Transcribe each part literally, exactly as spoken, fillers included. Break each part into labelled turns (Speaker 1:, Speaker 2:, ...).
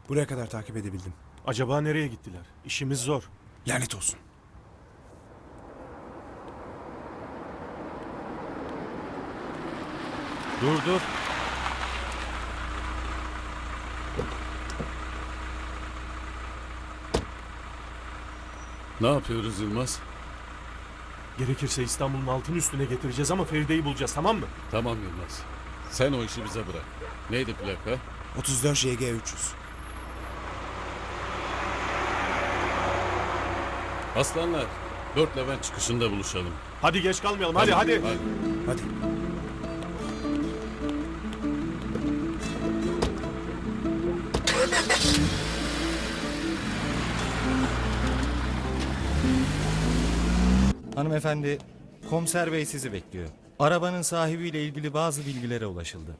Speaker 1: Buraya kadar takip edebildim.
Speaker 2: Acaba nereye gittiler? İşimiz zor.
Speaker 1: Lanet olsun.
Speaker 2: Dur dur.
Speaker 3: Ne yapıyoruz Yılmaz?
Speaker 2: Gerekirse İstanbul'un altın üstüne getireceğiz ama Feride'yi bulacağız, tamam mı?
Speaker 3: Tamam Yılmaz. Sen o işi bize bırak. Neydi plaka?
Speaker 1: otuz dört J G üç yüz.
Speaker 3: Aslanlar, dört Levent çıkışında buluşalım.
Speaker 2: Hadi geç kalmayalım, hadi
Speaker 3: Tamam,
Speaker 2: hadi.
Speaker 1: Hadi.
Speaker 4: Hanımefendi, komiser bey sizi bekliyor. Arabanın sahibiyle ilgili bazı bilgilere ulaşıldı.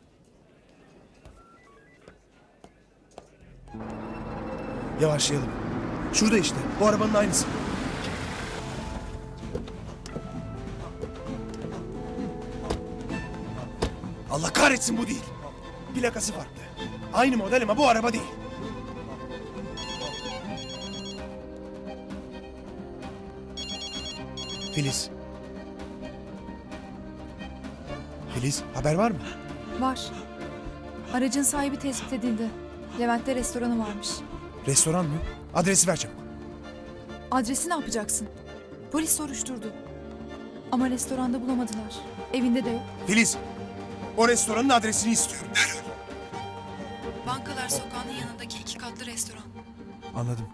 Speaker 1: Yavaşlayalım. Şurada işte. Bu arabanın aynısı. Allah kahretsin, bu değil. Plakası farklı. Aynı model ama bu araba değil. Filiz. Filiz, haber var mı?
Speaker 5: Var. Aracın sahibi tespit edildi. Levent'te restoranı varmış.
Speaker 1: Restoran mı? Adresi ver çabuk.
Speaker 5: Adresi ne yapacaksın? Polis soruşturdu. Ama restoranda bulamadılar. Evinde de yok.
Speaker 1: Filiz, o restoranın adresini istiyorum.
Speaker 5: Bankalar Sokağı'nın yanındaki iki katlı restoran.
Speaker 1: Anladım.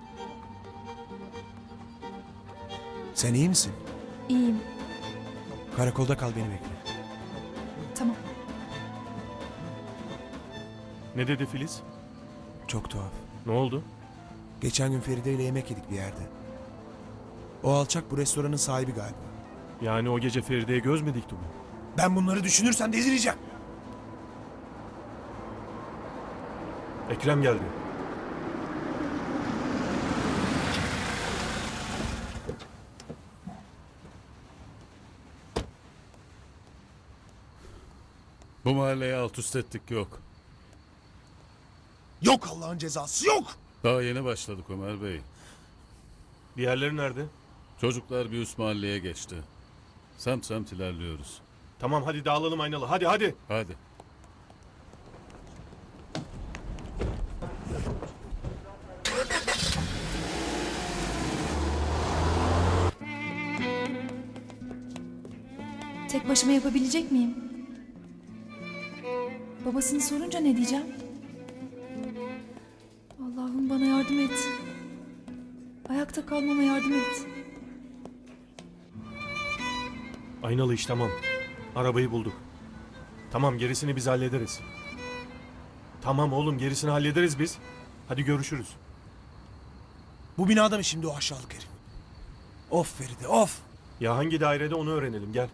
Speaker 1: Sen iyi misin?
Speaker 5: İyiyim.
Speaker 1: Karakolda kal, beni bekle.
Speaker 5: Tamam.
Speaker 2: Ne dedi Filiz?
Speaker 1: Çok tuhaf.
Speaker 2: Ne oldu?
Speaker 1: Geçen gün Feride ile yemek yedik bir yerde. O alçak bu restoranın sahibi galiba.
Speaker 2: Yani o gece Feride'ye göz mü dikti bu?
Speaker 1: Ben bunları düşünürsem delireceğim.
Speaker 2: Ekrem geldi.
Speaker 3: Bu mahalleye alt üst ettik yok.
Speaker 1: Yok, Allah'ın cezası yok.
Speaker 3: Daha yeni başladık Ömer Bey.
Speaker 2: Diğerleri nerede?
Speaker 3: Çocuklar bir üst mahalleye geçti. Semt semt ilerliyoruz.
Speaker 2: Tamam hadi dağılalım Aynalı, hadi hadi.
Speaker 3: Hadi.
Speaker 5: Tek başıma yapabilecek miyim? Babasını sorunca ne diyeceğim? Allah'ım bana yardım et. Ayakta kalmama yardım et.
Speaker 2: Aynalı iş tamam. Arabayı bulduk. Tamam gerisini biz hallederiz. Tamam oğlum gerisini hallederiz biz. Hadi görüşürüz.
Speaker 1: Bu binada mı şimdi o aşağılık herif? Of Feride, of.
Speaker 2: Ya hangi dairede onu öğrenelim, gel.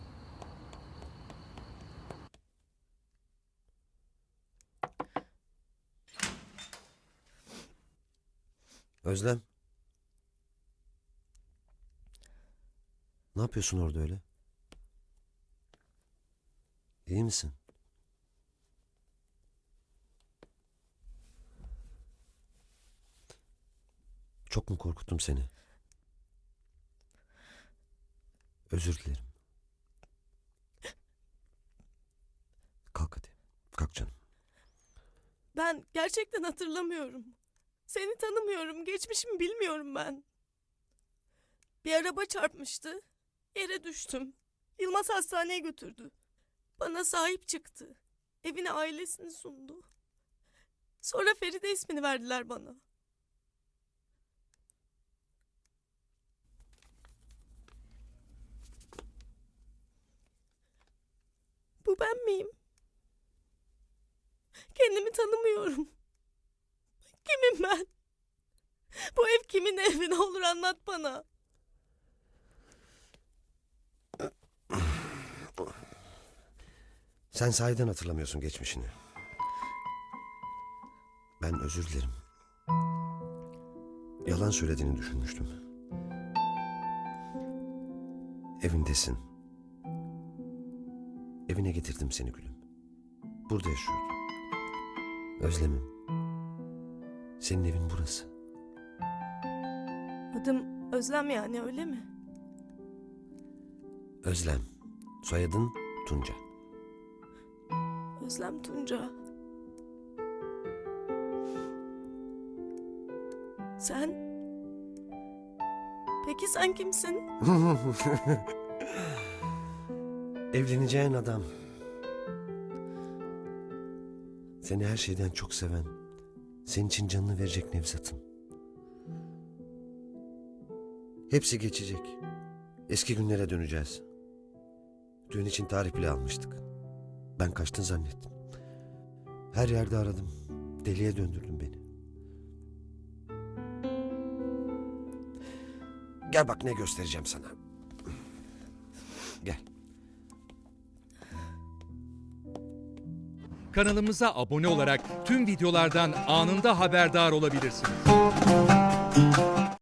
Speaker 6: Özlem. Ne yapıyorsun orada öyle? İyi misin? Çok mu korkuttum seni? Özür dilerim. Kalk hadi. Kalk canım.
Speaker 7: Ben gerçekten hatırlamıyorum. Seni tanımıyorum, geçmişimi bilmiyorum ben. Bir araba çarpmıştı. Yere düştüm. Yılmaz hastaneye götürdü. Bana sahip çıktı. Evine ailesini sundu. Sonra Feride ismini verdiler bana. Bu ben miyim? Kendimi tanımıyorum. Kimim ben? Bu ev kimin evi, ne olur anlat bana.
Speaker 6: Sen sahiden hatırlamıyorsun geçmişini. Ben özür dilerim. Yalan söylediğini düşünmüştüm. Evindesin. Evine getirdim seni gülüm. Burada yaşıyordun. Özlemim. Senin evin burası.
Speaker 7: Adım Özlem yani, öyle mi?
Speaker 6: Özlem. Soyadın Tunca.
Speaker 7: Özlem Tunca. Sen... Peki sen kimsin?
Speaker 6: Evleneceğin adam. Seni her şeyden çok seven, senin için canını verecek Nevzat'ın. Hepsi geçecek. Eski günlere döneceğiz. Düğün için tarih bile almıştık. Ben kaçtın zannettim. Her yerde aradım. Deliye döndürdün beni. Gel bak ne göstereceğim sana. Gel.
Speaker 8: Kanalımıza abone olarak tüm videolardan anında haberdar olabilirsiniz.